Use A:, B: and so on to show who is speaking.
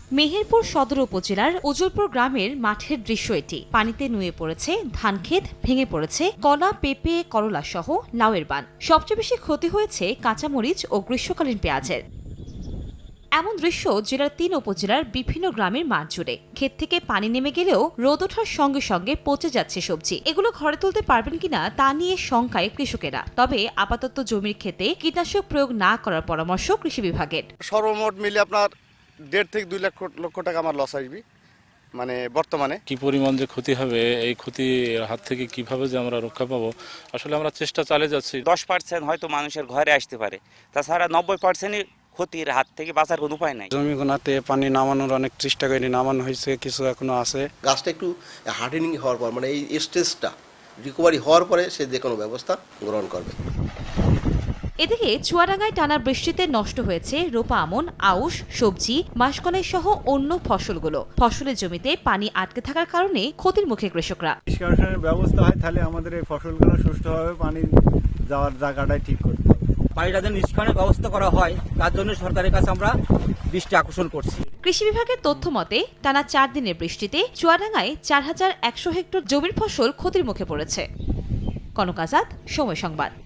A: মেহেরপুর সদর উপজেলার উজলপুর গ্রামের মাঠের দৃশ্য এটি। পানিতে নুয়ে পড়েছে ধানক্ষেত, ভেঙে পড়েছে কলা, পেঁপে, করলা সহ লাউয়ের বান। সবচেয়ে বেশি ক্ষতি হয়েছে কাঁচামরিচ ও গ্রীষ্মকালীন পেঁয়াজের। এমন দৃশ্য জেলার ৩ উপজেলার বিভিন্ন গ্রামের মাঠ জুড়ে। ক্ষেত থেকে পানি নেমে গেলেও রোদ ওঠার সঙ্গে সঙ্গে পচে যাচ্ছে সবজি। এগুলো ঘরে তুলতে পারবেন কিনা তা নিয়ে শঙ্কায় কৃষকেরা। তবে আপাতত জমির ক্ষেতে কীটনাশক প্রয়োগ না করার পরামর্শ কৃষি বিভাগের।
B: সর্বমোট মিলে আপনার 1.5 থেকে 2 লক্ষ টাকা আমার লস আসবে মানে বর্তমানে।
C: কি পরিমাণ যে ক্ষতি হবে, এই ক্ষতির হাত থেকে কিভাবে যে আমরা রক্ষা পাবো, আসলে আমরা চেষ্টা চালিয়ে যাচ্ছি।
D: 10% হয়তো মানুষের ঘরে আসতে পারে, তাছাড়া 90%ই ক্ষতির হাত থেকে বাঁচার কোনো উপায় নাই।
E: জমিগুলোতে পানি নামানোর অনেক চেষ্টা করে নামানো হয়েছে, কিছু এখনো আছে।
F: গাছটা একটু হার্ডেনিং হওয়ার পর মানে এই স্টেজটা রিকভারি হওয়ার পরে সে যে কোনো ব্যবস্থা গ্রহণ করবে।
A: এদিকে চুয়াডাঙ্গায় টানা বৃষ্টিতে নষ্ট হয়েছে রোপা আমন, আউশ, সবজি, মাসকলাই সহ অন্য ফসলগুলো। ফসলের জমিতে পানি আটকে থাকার কারণে ক্ষতির মুখে কৃষকরা।
G: নিষ্কাশনের ব্যবস্থা হয় তাহলে আমাদের এই ফসলগুলো সুষ্ঠুভাবে পানি যাওয়ার জায়গাটাই ঠিক করতে হবে।
H: পানিটা যেন নিষ্কাশনের ব্যবস্থা করা হয়, তার জন্য সরকারের কাছে আমরা দৃষ্টি আকর্ষণ করছি।
A: কৃষি বিভাগের তথ্য মতে টানা 4 দিনের বৃষ্টিতে চুয়াডাঙ্গায় 4100 হেক্টর জমির ফসল ক্ষতির মুখে পড়েছে। কনক আজাদ, সময় সংবাদ।